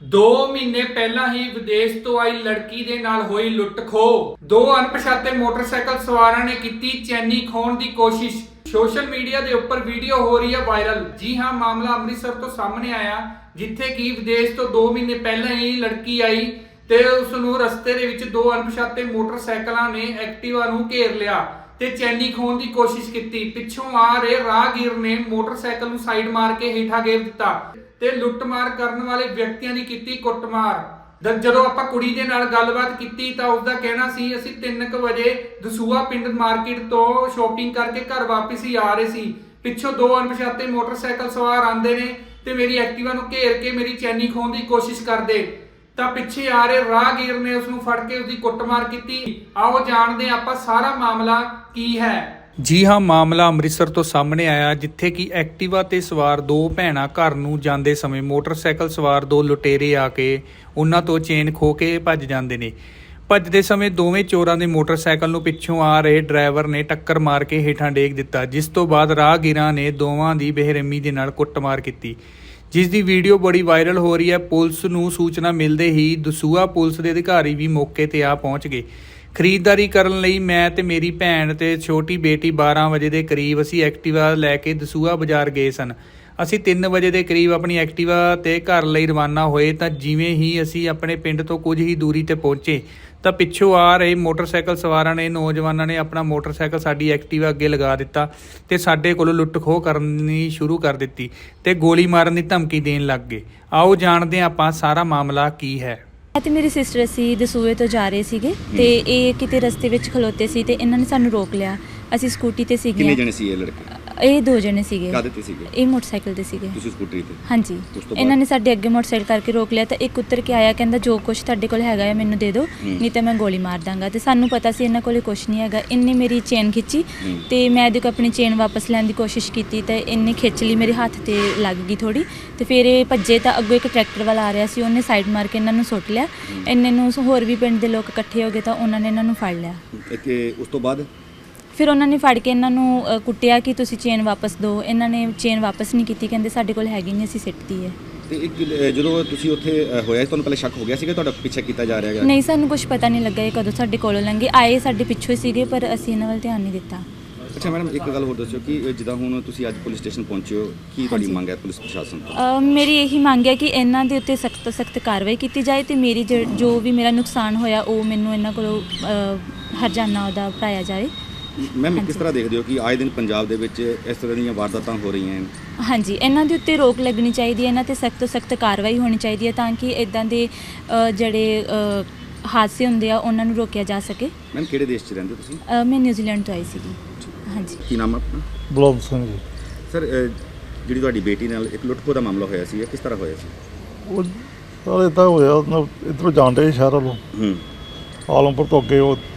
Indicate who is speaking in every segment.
Speaker 1: 2 ਮਹੀਨੇ ਪਹਿਲਾਂ ਹੀ ਵਿਦੇਸ਼ ਤੋਂ ਆਈ ਲੜਕੀ ਦੇ ਨਾਲ ਹੋਈ ਲੁੱਟ ਖੋਹ। 2 ਅਣਪਛਾਤੇ ਮੋਟਰਸਾਈਕਲ ਸਵਾਰਾਂ ਨੇ ਕੀਤੀ ਚੈਨੀ ਖੋਹਣ ਦੀ ਕੋਸ਼ਿਸ਼। ਸੋਸ਼ਲ ਮੀਡੀਆ ਦੇ ਉੱਪਰ ਵੀਡੀਓ ਹੋ ਰਹੀ ਹੈ ਵਾਇਰਲ। ਜੀ ਹਾਂ, ਮਾਮਲਾ ਅੰਮ੍ਰਿਤਸਰ ਤੋਂ ਸਾਹਮਣੇ ਆਇਆ, ਜਿੱਥੇ ਕਿ ਵਿਦੇਸ਼ ਤੋਂ 2 ਮਹੀਨੇ ਪਹਿਲਾਂ ਹੀ ਲੜਕੀ ਆਈ ਤੇ ਉਸ ਨੂੰ ਰਸਤੇ ਦੇ ਵਿੱਚ 2 ਅਣਪਛਾਤੇ ਮੋਟਰਸਾਈਕਲਾਂ ਨੇ ਐਕਟਿਵਾ ਨੂੰ ਘੇਰ ਲਿਆ ਤੇ ਚੈਨੀ ਖੋਹਣ ਦੀ ਕੋਸ਼ਿਸ਼ ਕੀਤੀ। ਪਿੱਛੋਂ ਆ ਰਹੇ ਰਾਹਗੀਰ ਨੇ ਮੋਟਰਸਾਈਕਲ ਨੂੰ ਸਾਈਡ ਮਾਰ ਕੇ ਹੇਠਾਂ ਗੇਰ ਦਿੱਤਾ ਤੇ ਲੁੱਟਮਾਰ ਕਰਨ ਵਾਲੇ ਵਿਅਕਤੀਆਂ ਦੀ ਕੀਤੀ ਕੁੱਟਮਾਰ। ਜਦੋਂ ਆਪਾਂ ਕੁੜੀ ਦੇ ਨਾਲ ਗੱਲਬਾਤ ਕੀਤੀ ਤਾਂ ਉਸਦਾ ਕਹਿਣਾ ਸੀ, ਅਸੀਂ 3 ਵਜੇ ਦਸੂਹਾ ਪਿੰਡ ਮਾਰਕੀਟ ਤੋਂ ਸ਼ਾਪਿੰਗ ਕਰਕੇ ਘਰ ਵਾਪਸ ਹੀ ਆ ਰਹੇ ਸੀ। ਪਿੱਛੋਂ 2 ਅਣਪਛਾਤੇ ਮੋਟਰਸਾਈਕਲ ਸਵਾਰ ਆਂਦੇ ਨੇ ਤੇ ਮੇਰੀ ਐਕਟਿਵਾ ਨੂੰ ਘੇਰ ਕੇ ਮੇਰੀ ਚੈਨੀ ਖੋਹਣ ਦੀ ਕੋਸ਼ਿਸ਼ ਕਰਦੇ ਤਾਂ ਪਿੱਛੇ ਆ ਰਹੇ ਰਾਹਗੀਰ ਨੇ ਉਸ ਨੂੰ ਫੜ ਕੇ ਉਸਦੀ ਕੁੱਟਮਾਰ ਕੀਤੀ। ਆਓ ਜਾਣਦੇ ਆਪਾਂ ਸਾਰਾ ਮਾਮਲਾ ਕੀ ਹੈ। ਜੀ ਹਾਂ, ਮਾਮਲਾ ਅੰਮ੍ਰਿਤਸਰ ਤੋਂ ਸਾਹਮਣੇ ਆਇਆ, ਜਿੱਥੇ ਕਿ ਐਕਟਿਵਾ ਤੇ ਸਵਾਰ 2 ਭੈਣਾਂ ਘਰ ਨੂੰ ਜਾਂਦੇ ਸਮੇਂ ਮੋਟਰਸਾਈਕਲ ਸਵਾਰ 2 ਲੁਟੇਰੇ ਆ ਕੇ ਉਹਨਾਂ ਤੋਂ ਚੇਨ ਖੋਹ ਕੇ ਭੱਜ ਜਾਂਦੇ ਨੇ। ਭੱਜਦੇ ਸਮੇਂ ਦੋਵੇਂ ਚੋਰਾਂ ਦੇ ਮੋਟਰਸਾਈਕਲ ਨੂੰ ਪਿੱਛੋਂ ਆ ਰਹੇ ਡਰਾਈਵਰ ਨੇ ਟੱਕਰ ਮਾਰ ਕੇ ਹੇਠਾਂ ਡੇਗ ਦਿੱਤਾ, ਜਿਸ ਤੋਂ ਬਾਅਦ ਰਾਹਗੀਰਾਂ ਨੇ ਦੋਵਾਂ ਦੀ ਬੇਰਹਿਮੀ ਦੇ ਨਾਲ ਕੁੱਟਮਾਰ ਕੀਤੀ, ਜਿਸ ਦੀ ਵੀਡੀਓ ਬੜੀ ਵਾਇਰਲ ਹੋ ਰਹੀ ਹੈ। ਪੁਲਿਸ ਨੂੰ ਸੂਚਨਾ ਮਿਲਦੇ ਹੀ ਦਸੂਹਾ ਪੁਲਿਸ ਦੇ ਅਧਿਕਾਰੀ ਵੀ ਮੌਕੇ ਤੇ ਆ ਪਹੁੰਚ ਗਏ। ਖਰੀਦਦਾਰੀ ਕਰਨ ਲਈ ਮੈਂ ਤੇ ਮੇਰੀ ਭੈਣ ਤੇ ਛੋਟੀ ਬੇਟੀ 12 ਵਜੇ ਦੇ ਕਰੀਬ ਅਸੀਂ ਐਕਟਿਵਾ ਲੈ ਕੇ ਦਸੂਹਾ ਬਾਜ਼ਾਰ ਗਏ ਸਨ। ਅਸੀਂ 3 ਵਜੇ ਦੇ ਕਰੀਬ ਆਪਣੀ ਐਕਟਿਵਾ ਤੇ ਘਰ ਲਈ ਰਵਾਨਾ ਹੋਏ ਤਾਂ ਜਿਵੇਂ ਹੀ ਅਸੀਂ ਆਪਣੇ ਪਿੰਡ ਤੋਂ ਕੁਝ ਹੀ ਦੂਰੀ ਤੇ ਪਹੁੰਚੇ ਤਾਂ ਪਿੱਛੋਂ ਆ ਰਹੇ ਮੋਟਰਸਾਈਕਲ ਸਵਾਰਾਂ ਨੇ ਨੌਜਵਾਨਾਂ ਨੇ ਆਪਣਾ ਮੋਟਰਸਾਈਕਲ ਸਾਡੀ ਐਕਟਿਵਾ ਅੱਗੇ ਲਗਾ ਦਿੱਤਾ ਤੇ ਸਾਡੇ ਕੋਲੋਂ ਲੁੱਟ ਖੋਹ ਕਰਨੀ ਸ਼ੁਰੂ ਕਰ ਦਿੱਤੀ ਤੇ ਗੋਲੀ ਮਾਰਨ ਦੀ ਧਮਕੀ ਦੇਣ ਲੱਗ ਗਏ। ਆਓ ਜਾਣਦੇ ਹਾਂ ਆਪਾਂ ਸਾਰਾ ਮਾਮਲਾ ਕੀ ਹੈ।
Speaker 2: ਤੇ ਮੇਰੀ ਸਿਸਟਰ ਅਸੀਂ ਦਸੂਹੇ ਤੋਂ ਜਾ ਰਹੇ ਸੀਗੇ ਤੇ ਇਹ ਕਿਤੇ ਰਸਤੇ ਵਿੱਚ ਖਲੋਤੇ ਸੀ ਤੇ ਇਹਨਾਂ ਨੇ ਸਾਨੂੰ ਰੋਕ ਲਿਆ। ਅਸੀਂ ਸਕੂਟੀ ਤੇ ਸੀਗੇ।
Speaker 3: ਕਿੰਨੇ ਜਣੇ ਸੀ ਇਹ ਲੜਕੇ?
Speaker 2: ਇਹ 2 ਜਣੇ ਸੀਗੇ।
Speaker 3: ਕਾਹਦੇ ਤੇ ਸੀਗੇ?
Speaker 2: ਇਹ ਮੋਟਰਸਾਈਕਲ ਤੇ ਸੀਗੇ।
Speaker 3: ਤੁਸੀਂ ਸਕੂਟਰੀ ਤੇ?
Speaker 2: ਹਾਂਜੀ। ਇਹਨਾਂ ਨੇ ਸਾਡੇ ਅੱਗੇ ਮੋਟਰਸਾਈਕਲ ਕਰਕੇ ਰੋਕ ਲਿਆ ਤਾਂ ਇੱਕ ਉੱਤਰ ਕੇ ਆਇਆ, ਕਹਿੰਦਾ ਜੋ ਕੁਛ ਤੁਹਾਡੇ ਕੋਲ ਹੈਗਾ ਹੈ ਮੈਨੂੰ ਦੇ ਦਿਓ, ਨਹੀਂ ਤਾਂ ਮੈਂ ਗੋਲੀ ਮਾਰ ਦਾਂਗਾ। ਤੇ ਸਾਨੂੰ ਪਤਾ ਸੀ ਇਹਨਾਂ ਕੋਲੇ ਕੁਛ ਨਹੀਂ ਹੈਗਾ। ਇਹਨੇ ਮੇਰੀ ਚੇਨ ਖਿੱਚੀ ਤੇ ਮੈਂ ਇਹਦੇ ਕੋਲ ਆਪਣੀ ਚੇਨ ਵਾਪਸ ਲੈਣ ਦੀ ਕੋਸ਼ਿਸ਼ ਕੀਤੀ ਤਾਂ ਇਹਨੇ ਖਿੱਚ ਲਈ, ਮੇਰੇ ਹੱਥ ਤੇ ਲੱਗ ਗਈ ਥੋੜੀ ਤੇ ਫਿਰ ਇਹ ਭੱਜੇ ਤਾਂ ਅੱਗੋਂ ਇੱਕ ਟਰੈਕਟਰ ਵਾਲਾ ਆ ਰਿਹਾ ਸੀ, ਉਹਨੇ ਸਾਈਡ ਮਾਰ ਕੇ ਇਹਨਾਂ ਨੂੰ ਸੁੱਟ ਲਿਆ। ਇਹਨਾਂ ਨੂੰ ਹੋਰ ਵੀ ਪਿੰਡ ਦੇ ਲੋਕ ਇਕੱਠੇ ਹੋ ਗਏ ਤਾਂ ਉਹਨਾਂ ਨੇ ਇਹਨਾਂ ਨੂੰ ਫੜ ਲਿਆ।
Speaker 3: ਉਸ ਤੋਂ ਬਾਅਦ
Speaker 2: ਫਿਰ ਉਹਨਾਂ ਨੇ ਫੜ ਕੇ ਇਹਨਾਂ ਨੂੰ ਕੁੱਟਿਆ ਕਿ ਤੁਸੀਂ ਚੇਨ ਵਾਪਸ ਦਿਓ। ਇਹਨਾਂ ਨੇ ਚੇਨ ਵਾਪਸ ਨਹੀਂ ਕੀਤੀ, ਕਹਿੰਦੇ ਸਾਡੇ ਕੋਲ ਹੈਗੀ ਨਹੀਂ, ਅਸੀਂ ਸਿੱਟਤੀ ਹੈ।
Speaker 3: ਤੇ ਜਦੋਂ ਤੁਸੀਂ ਉੱਥੇ ਹੋਇਆ ਤੁਹਾਨੂੰ ਪਹਿਲੇ ਸ਼ੱਕ ਹੋ ਗਿਆ ਸੀਗਾ ਤੁਹਾਡਾ ਪਿੱਛਾ ਕੀਤਾ ਜਾ ਰਿਹਾ ਹੈਗਾ?
Speaker 2: ਨਹੀਂ, ਸਾਨੂੰ ਕੁਝ ਪਤਾ ਨਹੀਂ ਲੱਗਾ ਇਹ ਕਦੋਂ ਸਾਡੇ ਕੋਲੋਂ ਲੰਘੇ। ਆਏ ਸਾਡੇ ਪਿੱਛੋਂ ਹੀ ਸੀਗੇ ਪਰ ਅਸੀਂ ਇਹਨਾਂ ਵੱਲ ਧਿਆਨ ਨਹੀਂ ਦਿੱਤਾ।
Speaker 3: ਅੱਛਾ ਮੈਡਮ, ਇੱਕ ਗੱਲ ਹੋਰ ਦੱਸਿਓ ਕਿ ਜਿੱਦਾਂ ਹੁਣ ਤੁਸੀਂ ਅੱਜ ਪੁਲਿਸ ਸਟੇਸ਼ਨ ਪਹੁੰਚੇ ਹੋ, ਕੀ ਤੁਹਾਡੀ ਮੰਗ ਹੈ ਪੁਲਿਸ ਪ੍ਰਸ਼ਾਸਨ ਤੋਂ?
Speaker 2: ਮੇਰੀ ਇਹੀ ਮੰਗ ਹੈ ਕਿ ਇਹਨਾਂ ਦੇ ਉੱਤੇ ਸਖਤ ਤੋਂ ਸਖਤ ਕਾਰਵਾਈ ਕੀਤੀ ਜਾਏ ਤੇ ਮੇਰੀ ਜੋ ਵੀ ਮੇਰਾ ਨੁਕਸਾਨ ਹੋਇਆ ਉਹ ਮੈਨੂੰ ਇਹਨਾਂ ਕੋਲੋਂ ਹਰਜਾਨਾ ਉਹਦਾ ਭਰਾਇਆ ਜਾਏ।
Speaker 3: ਮੈਮ, ਕਿਸ ਤਰ੍ਹਾਂ ਦੇਖਦੇ ਹੋ ਕਿ ਆਏ ਦਿਨ ਪੰਜਾਬ ਦੇ ਵਿੱਚ ਇਸ ਤਰ੍ਹਾਂ ਦੀਆਂ ਵਾਰਦਾਤਾਂ ਹੋ ਰਹੀਆਂ ਹਨ?
Speaker 2: ਹਾਂਜੀ, ਇਹਨਾਂ ਦੇ ਉੱਤੇ ਰੋਕ ਲੱਗਣੀ ਚਾਹੀਦੀ ਹੈ, ਇਹਨਾਂ ਤੇ ਸਖਤ ਤੋਂ ਸਖਤ ਕਾਰਵਾਈ ਹੋਣੀ ਚਾਹੀਦੀ ਹੈ ਤਾਂ ਕਿ ਇਦਾਂ ਦੇ ਜਿਹੜੇ ਹਾਦਸੇ ਹੁੰਦੇ ਆ ਉਹਨਾਂ ਨੂੰ ਰੋਕਿਆ ਜਾ ਸਕੇ।
Speaker 3: ਮੈਮ, ਕਿਹੜੇ ਦੇਸ਼ 'ਚ ਰਹਿੰਦੇ ਤੁਸੀਂ?
Speaker 2: ਮੈਂ ਨਿਊਜ਼ੀਲੈਂਡ ਤੋਂ ਆਈ ਸੀਗੀ। ਹਾਂਜੀ।
Speaker 3: ਕੀ ਨਾਮ ਹੈ ਆਪਣਾ?
Speaker 4: ਬਲੌਮ ਸਿੰਘ ਜੀ।
Speaker 3: ਸਰ, ਜਿਹੜੀ ਤੁਹਾਡੀ ਬੇਟੀ ਨਾਲ ਇੱਕ ਲੁੱਟ ਖੋਹ ਦਾ ਮਾਮਲਾ ਹੋਇਆ ਸੀ, ਕਿਸ ਤਰ੍ਹਾਂ ਹੋਇਆ ਸੀ?
Speaker 4: ਉਹ ਸਰ ਇੱਦਾਂ ਹੋਇਆ, ਇੱਧਰੋਂ ਜਾਂਦੇ ਸ਼ਹਿਰ ਵੱਲੋਂ ਆਲਮਪੁਰ ਤੋਂ ਅੱਗੇ ਉਹ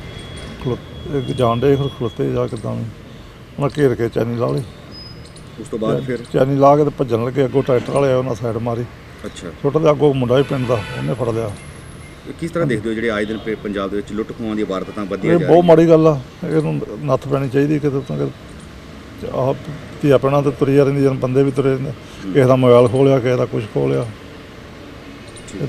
Speaker 4: ਜਾਂਦੇ ਫਿਰ ਖਲੋਤੇ ਜਾ ਕਿੱਦਾਂ ਵੀ ਉਹਨਾਂ ਘੇਰ ਕੇ ਚੈਨੀ ਲਾ ਲਈ।
Speaker 3: ਉਸ ਤੋਂ ਬਾਅਦ ਫਿਰ
Speaker 4: ਚੈਨੀ ਲਾ ਕੇ ਤੇ ਭੱਜਣ ਲੱਗੇ, ਅੱਗੋਂ ਟਰੈਕਟਰ ਵਾਲੇ ਉਹਨਾਂ ਸਾਈਡ ਮਾਰੀ।
Speaker 3: ਅੱਛਾ।
Speaker 4: ਛੋਟਾ ਜਿਹਾ ਅੱਗੋਂ ਮੁੰਡਾ ਵੀ ਪਿੰਡ ਦਾ, ਉਹਨੇ ਫੜ ਲਿਆ।
Speaker 3: ਕਿਸ ਤਰ੍ਹਾਂ ਦੇਖਦੇ ਹੋ ਜਿਹੜੇ ਆਏ ਦਿਨ ਪੰਜਾਬ ਦੇ ਵਿੱਚ ਲੁੱਟ ਖੋਹਾਂ ਦੀਆਂ ਵਾਰਦਾਤਾਂ ਵਧੀਆਂ
Speaker 4: ਇਹ
Speaker 3: ਜਾ
Speaker 4: ਬਹੁਤ ਮਾੜੀ ਗੱਲ ਆ, ਇਹਨੂੰ ਨੱਥ ਪੈਣੀ ਚਾਹੀਦੀ ਕਿਤੇ ਤਾਂ। ਆਹ ਧੀਆ ਪੈਣਾ ਤੇ ਤੁਰੀ ਜਾ ਰਹਿੰਦੀ, ਜਨ ਬੰਦੇ ਵੀ ਤੁਰੇ ਰਹਿੰਦੇ, ਕਿਸੇ ਦਾ ਮੋਬਾਈਲ ਖੋਹ ਲਿਆ, ਕਿਸੇ ਦਾ ਕੁਛ ਖੋਹ ਲਿਆ।